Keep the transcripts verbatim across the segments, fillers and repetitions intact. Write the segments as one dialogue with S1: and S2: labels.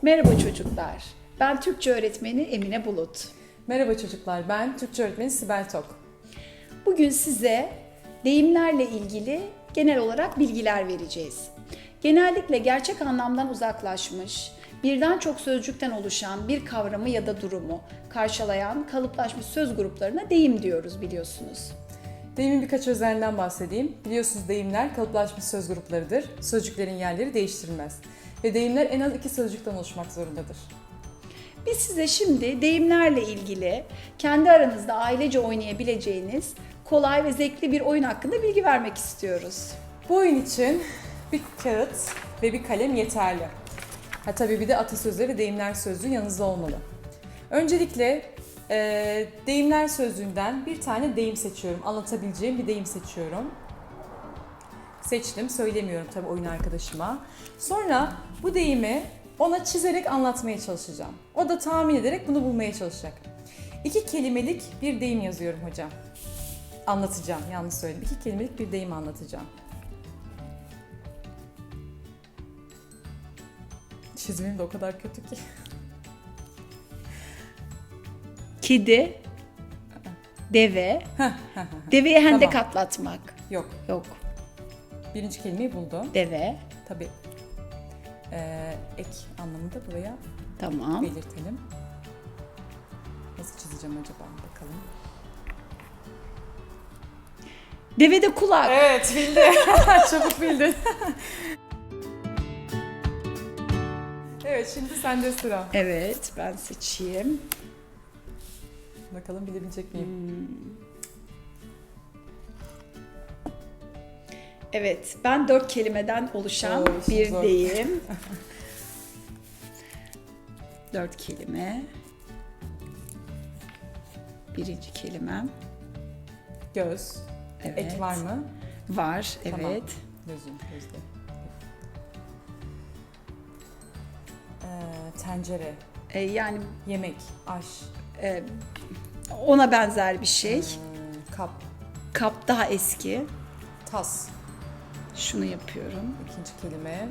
S1: Merhaba çocuklar, ben Türkçe öğretmeni Emine Bulut.
S2: Merhaba çocuklar, ben Türkçe öğretmeni Sibel Tok.
S1: Bugün size deyimlerle ilgili genel olarak bilgiler vereceğiz. Genellikle gerçek anlamdan uzaklaşmış, birden çok sözcükten oluşan bir kavramı ya da durumu karşılayan kalıplaşmış söz gruplarına deyim diyoruz biliyorsunuz.
S2: Deyimin birkaç özelliğinden bahsedeyim. Biliyorsunuz deyimler kalıplaşmış söz gruplarıdır. Sözcüklerin yerleri değiştirilmez. Ve deyimler en az iki sözcükten oluşmak zorundadır.
S1: Biz size şimdi deyimlerle ilgili kendi aranızda ailece oynayabileceğiniz kolay ve zevkli bir oyun hakkında bilgi vermek istiyoruz.
S2: Bu oyun için bir kağıt ve bir kalem yeterli. Ha tabii bir de atasözleri ve deyimler sözlüğü yanınızda olmalı. Öncelikle e, deyimler sözlüğünden bir tane deyim seçiyorum. Anlatabileceğim bir deyim seçiyorum. Seçtim, söylemiyorum tabii oyun arkadaşıma. Sonra bu deyimi ona çizerek anlatmaya çalışacağım. O da tahmin ederek bunu bulmaya çalışacak. İki kelimelik bir deyim yazıyorum hocam. Anlatacağım, yanlış söyledim. İki kelimelik bir deyim anlatacağım. Çizimim de o kadar kötü ki.
S1: Kedi, deve, deveye hendek
S2: Tamam.
S1: atlatmak.
S2: Yok,
S1: Yok,
S2: birinci kelimeyi buldum.
S1: deve,
S2: Tabii ee, ek anlamında buraya
S1: tamam.
S2: belirtelim. Nasıl çizeceğim acaba bakalım.
S1: Deve de kulak.
S2: Evet bildi. Çabuk bildin. Evet şimdi sende sıra.
S1: Evet, ben seçeyim.
S2: Bakalım bilebilecek miyim?
S1: Hmm. Evet, ben dört kelimeden oluşan
S2: Oo, işin
S1: bir
S2: zor.
S1: deyim. Dört kelime. Birinci kelimem.
S2: Göz.
S1: Evet.
S2: Ek var mı?
S1: Var,
S2: Tamam.
S1: evet.
S2: Gözüm, gözde. Ee, tencere,
S1: Ee, yani
S2: yemek, aş,
S1: e, ona benzer bir şey.
S2: ee, kap,
S1: Kap daha eski.
S2: tas.
S1: Şunu yapıyorum.
S2: İkinci kelime.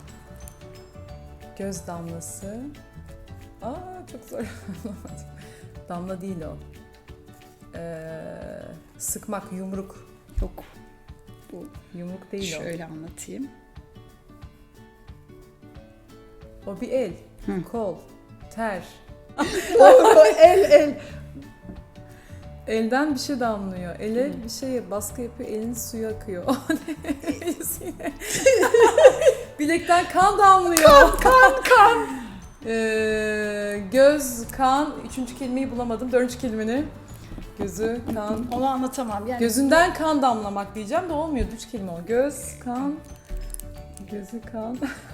S2: Göz damlası. Aa çok zor. Damla değil o. Ee, sıkmak, yumruk.
S1: Yok. Bu
S2: Yumruk değil
S1: şöyle anlatayım.
S2: o. O bir el,
S1: Hı.
S2: kol, ter.
S1: el el.
S2: Elden bir şey damlıyor. Ele bir şey baskı yapıyor, elin suyu akıyor. O ne? Bilekten kan damlıyor. Kan, kan, kan. Ee, göz, kan. Üçüncü kelimeyi bulamadım. Dördüncü kelimeni. Gözü, kan.
S1: Onu anlatamam. Yani
S2: Gözünden kan damlamak diyeceğim de olmuyor. Üç kelime o. Göz, kan. Gözü, kan.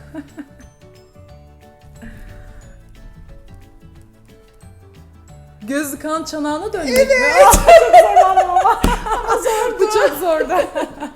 S2: Gözü kan çanağına dönmek mi? Evet. Çok zor ama. Bu çok zordu.